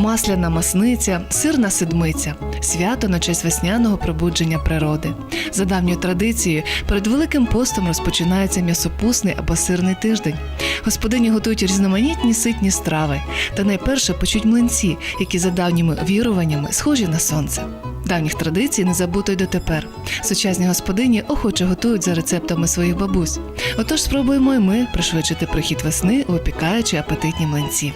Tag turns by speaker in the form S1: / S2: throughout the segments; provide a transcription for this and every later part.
S1: масляна масниця, сирна седмиця – свято на честь весняного пробудження природи. За давньою традицією, перед Великим постом розпочинається м'ясопусний або сирний тиждень. Господині готують різноманітні ситні страви та найперше печуть млинці, які за давніми віруваннями схожі на сонце. Давніх традицій не забуто й дотепер. Сучасні господині охоче готують за рецептами своїх бабусь. Отож спробуємо й ми пришвидшити прихід весни, опікаючи апетитні млинці.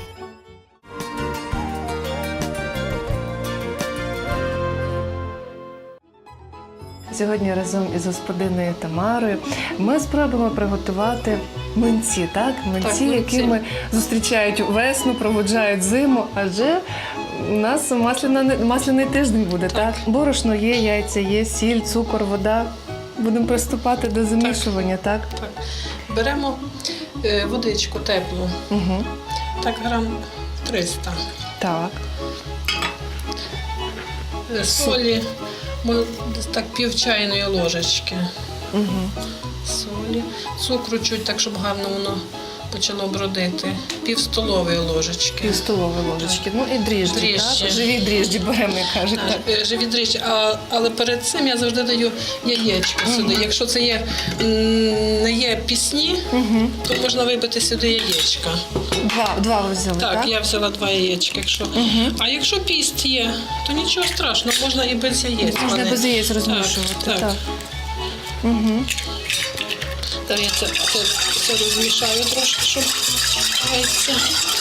S1: Сьогодні разом із господиною Тамарою ми спробуємо приготувати млинці, так? Млинці, якими зустрічають весну, проводжають зиму, адже у нас масляний тиждень буде, так? Борошно є, яйця є, сіль, цукор, вода. Будемо приступати до замішування, так?
S2: Так. Беремо водичку теплу,
S1: Угу.
S2: так грам 300.
S1: Так.
S2: Солі, десь так пів чайної ложечки.
S1: Угу.
S2: Солі, цукру чуть так, щоб гарно воно почало бродити. Пів столової ложечки.
S1: Пів столової ложечки. Ну і дріжджі,
S2: Дріжджі.
S1: так? Живі дріжджі беремо, як кажуть. Так.
S2: Живі дріжджі, але перед цим я завжди даю яєчко сюди. Якщо це не є пісні, то можна вибити сюди яєчка.
S1: Два ви взяли, так?
S2: Так, я взяла 2 яєчка. Якщо. А якщо піст є, то нічого страшного, можна і без яєць.
S1: Можна без яєць розмішувати.
S2: Так.
S1: Угу.
S2: Зараз я це розмішаю трошки, щоб яйця.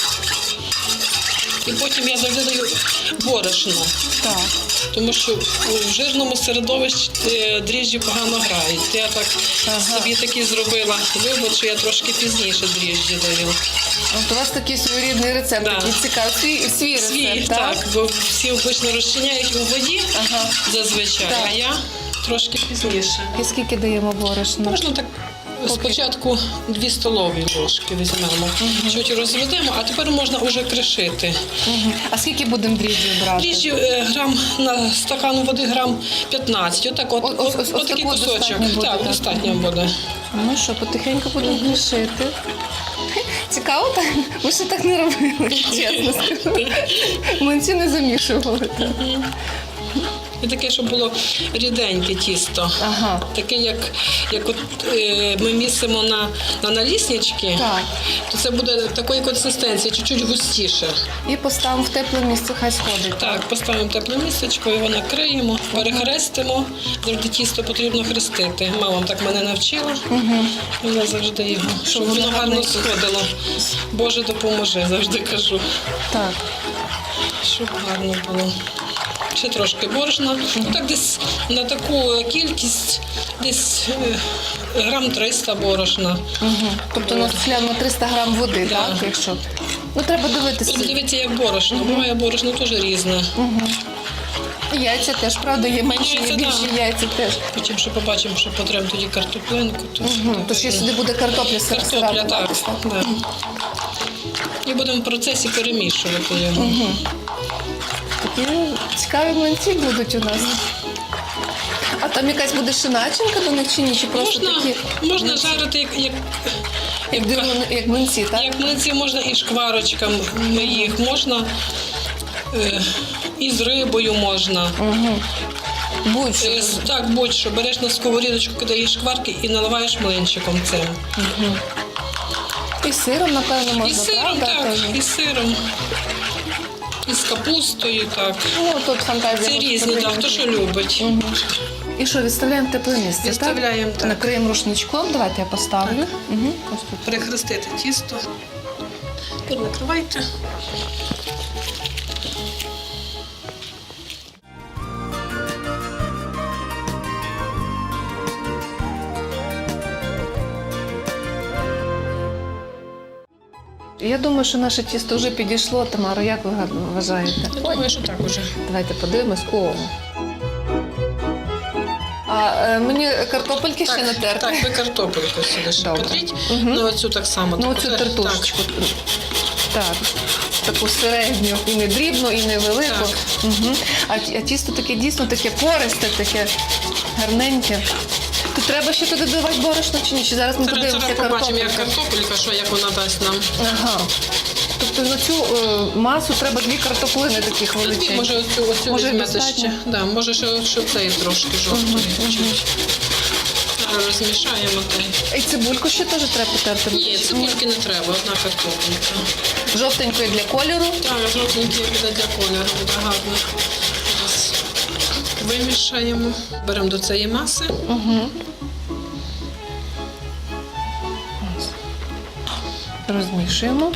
S2: І потім я завжди даю борошно.
S1: Так.
S2: Тому що у жирному середовищі дріжджі погано грають. Я так собі такі зробила вибір, що я трошки пізніше дріжджі даю.
S1: От у вас такий своєрідний рецепт, такий цікавий, свій рецепт,
S2: так? Бо всі обично розчиняють у воді зазвичай,
S1: Так.
S2: а я трошки пізніше.
S1: І скільки даємо борошна?
S2: Можна так спочатку 2 столові ложки візьмемо, чуть розведемо, а тепер можна вже кришити.
S1: А скільки будемо дріжджі брати?
S2: Дріжджі грам на стакан води грам 15. Отак, от такий кусочок. Так, достатньо буде.
S1: Ну що, потихеньку будемо кришити. Цікаво так? Ми ще так не робили, чесно скажу. Млинці не замішували.
S2: І таке, щоб було ріденьке тісто.
S1: Ага.
S2: Таке, як от, ми місимо на наліснички, то це буде такої консистенції, чуть-чуть густіше.
S1: І поставимо в тепле місце, хай сходить.
S2: Так, поставимо тепле місечко, його накриємо, перехрестимо. Завжди тісто потрібно хрестити. Мама так мене навчила. Я завжди його, щоб воно гарно сходило. Боже, допоможи, завжди кажу.
S1: Так.
S2: Щоб гарно було. Ще трошки борошна. Так десь на таку кількість, десь грам 300 борошна.
S1: Тобто на 300 грам води, так? Якщо? Ну, треба дивитися.
S2: Дивіться, як борошно. Буває борошно теж різне.
S1: Яйця теж, правда, є менші, є більші яйця теж.
S2: Потім ще побачимо, що потрібно тоді картоплинку.
S1: Тож ще сюди буде картопля
S2: Картопля, так. І будемо в процесі перемішувати його.
S1: Такі цікаві млинці будуть у нас. А там якась буде ще начинка до них чи ні? Чи просто такі?
S2: Можна жарити
S1: Як млинці, так?
S2: Як млинці, можна і шкварочками їх, можна і з рибою можна.
S1: Будь-що.
S2: Так, будь-що. Береш на сковорідочку, кидаєш шкварки і наливаєш млинчиком цим.
S1: І з сиром, напевно, можна,
S2: І з сиром,
S1: правда?
S2: так, і з сиром. І з капустою, так.
S1: Ну, тут фантазія.
S2: Це різні, так, хто що любить.
S1: І що, відставляємо в тепле місце,
S2: Відставляємо, так.
S1: Накриємо рушничком, давайте я поставлю. Ось тут.
S2: Перехрестити тісто. Тепер накривайте.
S1: Я думаю, що наше тісто вже підійшло. Тамара, як ви вважаєте?
S2: Я думаю, що так уже.
S1: Давайте подивимось. О! А мені картопельки ще натерти?
S2: Так, ви картопельку сюди ще
S1: Добре.
S2: потріть. Ну, оцю так само.
S1: Ну, оцю тертушечку. Так. Таку середню. І не дрібну, і не велику. А тісто таке дійсно таке пористе, таке гарненьке. То треба ще туди додавати борошно чи ні? Чи зараз ми подивимося
S2: картопельку? Побачимо,
S1: картопельку?
S2: як картопелька, як вона дасть нам.
S1: Ага. тобто на цю масу треба 2 картоплини таких величезних.
S2: Може оцю
S1: Може,
S2: візьмете
S1: достатньо?
S2: ще. Да, може ще цей трошки жовтий. чуть. Розмішаємо той.
S1: І цибульку ще теж треба потерти?
S2: Ні, цибульки не треба, одна картопелька.
S1: Жовтенької для кольору.
S2: Так, жовтенький буде для кольору, буде гарно. Зараз вимішаємо. Беремо до цієї маси.
S1: Угу. Розмішуємо.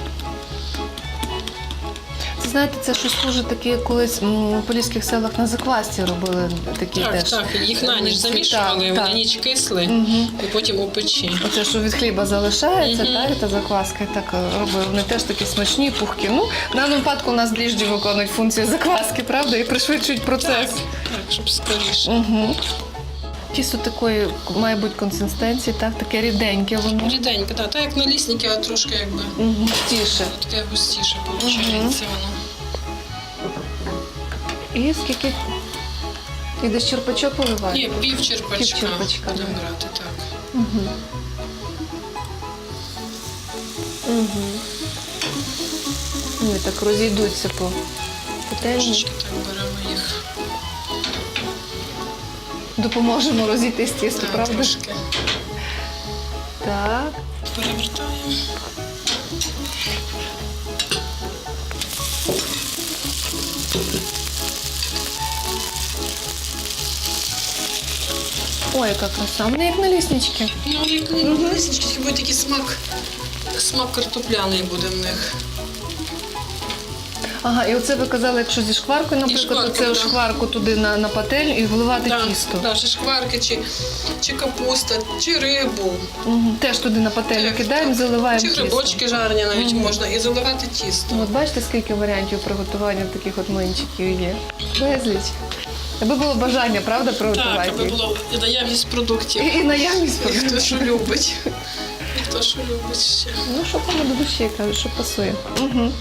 S1: Це, знаєте, це щось схоже таке, колись в поліських селах на заквасці робили такі
S2: Так,
S1: теж.
S2: так, їх на ніч замішували,
S1: Так,
S2: вони
S1: так.
S2: ніч кисли
S1: Мгм.
S2: і потім у печі.
S1: Оце, що від хліба залишається,
S2: Мгм.
S1: так, та закваска, і так робили. Вони теж такі смачні, пухкі. Ну, в даному випадку у нас дріжджі виконують функцію закваски, правда, і пришвидшують процес.
S2: Так, щоб скоріше.
S1: Угу. Тісто такої має бути консистенції, так, таке ріденьке воно.
S2: Ріденько, так, як налісники, а трошки якби
S1: Угу. Тіше.
S2: таке густіше виходить воно.
S1: І скільки? І десь черпачок поливає?
S2: Ні, пів черпачка
S1: Півчерпачка,
S2: будемо
S1: да.
S2: брати, так.
S1: Угу. Угу. Вони так розійдуться по пательні.
S2: Трошечки так беремо їх.
S1: Допоможемо розійтись тісто,
S2: Так,
S1: правда?
S2: трошки
S1: Так.
S2: перевертаємо.
S1: Ой, яка краса. Вони як наліснички.
S2: Ну, як лисички, буде такий смак картопляний буде в них.
S1: Ага, і оце ви казали, якщо зі шкваркою, наприклад,
S2: шкваркою,
S1: оце
S2: да.
S1: шкварку туди на пательню і вливати тісто.
S2: Да, чи шкварки, чи капуста, чи рибу.
S1: Угу. Теж туди на пательню
S2: Так,
S1: кидаємо,
S2: так.
S1: заливаємо
S2: Чи
S1: тісто.
S2: грибочки жарені навіть можна, і заливати тісто.
S1: От бачите, скільки варіантів приготування таких от млинчиків є? Безліч. Аби було бажання, правда, приготувати
S2: Так, аби
S1: їх?
S2: було і наявність продуктів.
S1: І наявність
S2: І хто
S1: продуктів.
S2: що любить. І хто що любить ще.
S1: Ну, що кому до душі, кажуть, що пасує. Угу.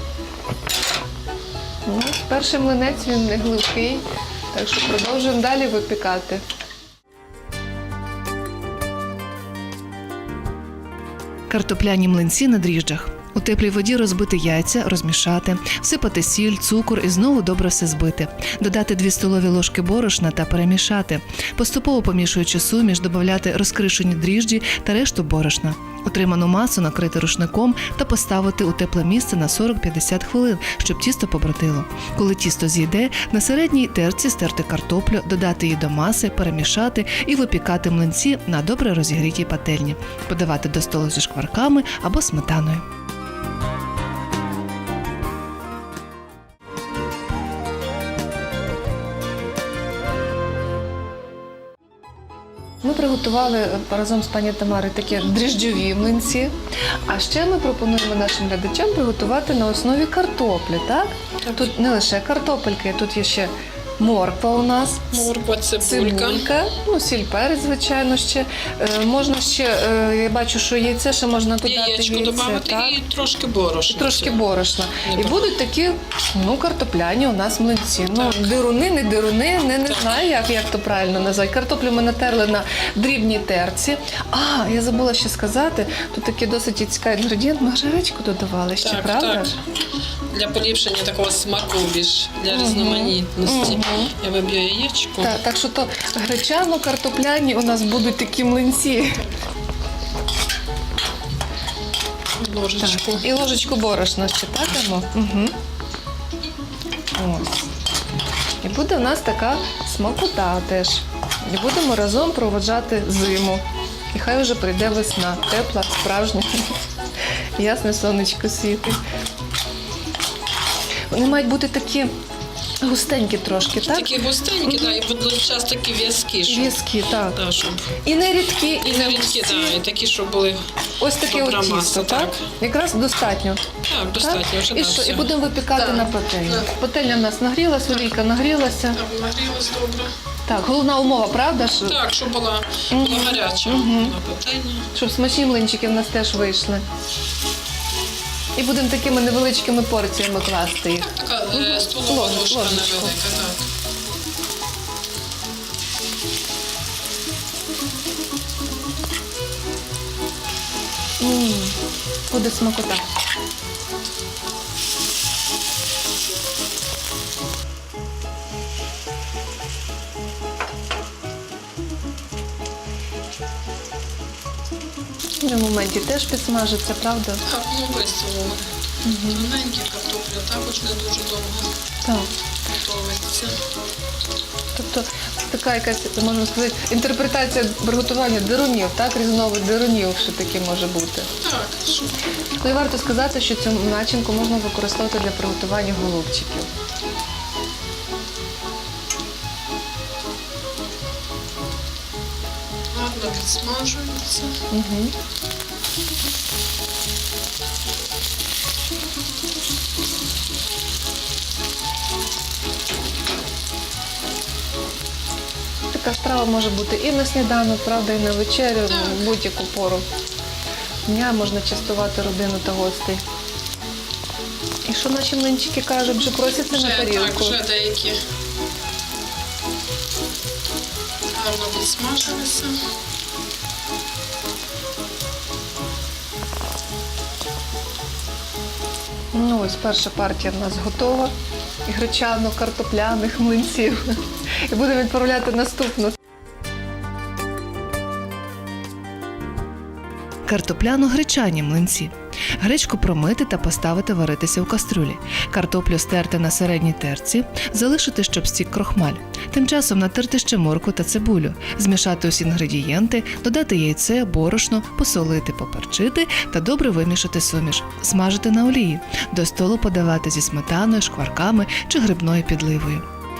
S1: Ну, перший млинець, він не глибкий, так що продовжуємо далі випікати. Картопляні млинці на дріжджах. У теплій воді розбити яйця, розмішати, всипати сіль, цукор і знову добре все збити. Додати 2 столові ложки борошна та перемішати. Поступово помішуючи суміш, додати розкришені дріжджі та решту борошна. Отриману масу накрити рушником та поставити у тепле місце на 40-50 хвилин, щоб тісто побродило. Коли тісто зійде, на середній терці стерти картоплю, додати її до маси, перемішати і випікати млинці на добре розігрітій пательні. Подавати до столу зі шкварками або сметаною. Ми приготували разом з пані Тамарою такі дріжджові млинці. А ще ми пропонуємо нашим глядачам приготувати на основі картоплі, так? Тут не лише картопельки, тут є ще морква у нас,
S2: Морква, цибулька.
S1: ну, сіль, перець, звичайно, ще. Можна ще, я бачу, що яйце ще можна додати.
S2: Яєчко додати
S1: так?
S2: і трошки борошна.
S1: Трошки борошна. І
S2: Небагато.
S1: будуть такі, ну, картопляні у нас млинці. Ну, дируни, не дируни, не знаю, як то правильно назвати. Картоплю ми натерли на дрібній терці. А, я забула ще сказати, тут такий досить цікавий інгредієнт, ми гречку додавали ще,
S2: Так,
S1: правда?
S2: так. Для поліпшення такого смаку більш, для різноманітності. Я виб'ю яєчко.
S1: Так що то гречано-картопляні у нас будуть такі млинці.
S2: Ложечку.
S1: Так. І ложечку борошна ще так дамо. Угу. Ось. І буде у нас така смакота теж. І будемо разом проводжати зиму. І хай вже прийде весна. Тепла, справжня. Ясне сонечко світить. Вони мають бути такі густенькі трошки, так?
S2: Такі густенькі, да, і водночас такі в'язкі, щоб,
S1: В'язкі, так.
S2: да, щоб
S1: І не рідкі,
S2: і не рідкі,
S1: густі.
S2: да, і такі, щоб були
S1: Ось таке
S2: добра
S1: от тісто,
S2: маса,
S1: так?
S2: так.
S1: Якраз достатньо.
S2: Так, достатньо вже.
S1: І
S2: да,
S1: що? І
S2: все.
S1: будемо випікати
S2: Так.
S1: на пательні.
S2: Так.
S1: Пательня в нас нагрілася, олійка нагрілася.
S2: Так, нагрілась добре.
S1: Так, головна умова, правда?
S2: Так, щоб була гаряча
S1: Мгм.
S2: на пательні.
S1: Щоб смачні млинчики в нас теж вийшли. І будемо такими невеличкими порціями класти їх.
S2: Така столова ложка
S1: Ложечку.
S2: невелика, так.
S1: Буде смакота. В моменті теж підсмажиться, правда?
S2: Так, ну висолили. Тоненькі картоплю також не дуже довго
S1: Так.
S2: готується.
S1: Тобто така якась, можна сказати, інтерпретація приготування дирунів, так? Різновид дирунів, що таке може бути.
S2: Так, що
S1: Ну і варто сказати, що цю начинку можна використовувати для приготування голубчиків.
S2: гарно підсмажується.
S1: Угу. Така страва може бути і на сніданок, правда, і на вечерю,
S2: Так.
S1: в будь-яку пору дня можна частувати родину та гостей. І що наші млинчики кажуть, вже просяться на
S2: Так,
S1: тарілку.
S2: вже деякі гарно підсмажилися.
S1: Ну ось перша партія в нас готова. І гречано-картопляних млинців. І будемо відправляти наступну. Картопляно-гречані млинці. Гречку промити та поставити варитися у кастрюлі. Картоплю стерти на середній терці, залишити, щоб стік крохмаль. Тим часом натерти ще моркву та цибулю, змішати усі інгредієнти, додати яйце, борошно, посолити, поперчити та добре вимішати суміш. Смажити на олії. До столу подавати зі сметаною, шкварками чи грибною підливою.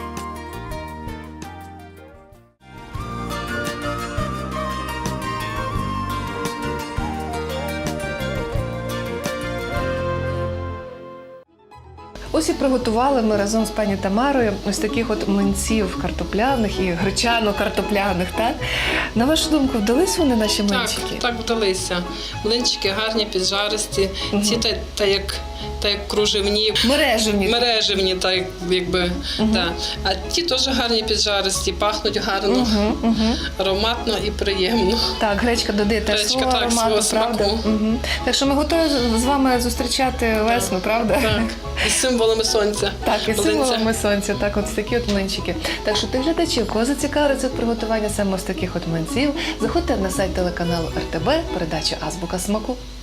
S1: Ось і приготували ми разом з пані Тамарою ось таких от млинців картопляних і гречано-картопляних, так? На вашу думку, вдались вони наші млинчики?
S2: Так вдалися. Млинчики гарні, піджаристі. Ці та як кружевні, мереживні, так якби. Да. А ті теж гарні піджаристі, пахнуть гарно, ароматно і приємно.
S1: Так, гречка додає теж
S2: Гречка,
S1: свого
S2: так,
S1: аромату,
S2: свого
S1: правда?
S2: смаку.
S1: Так що ми готові з вами зустрічати весну, правда?
S2: Так. І з символами сонця.
S1: Так, і
S2: Млинця.
S1: символами сонця, так, от такі от млинчики. Так що ти глядачів, кого зацікавив рецепт приготування саме ось таких от млинців, заходьте на сайт телеканалу РТБ, передача Азбука смаку.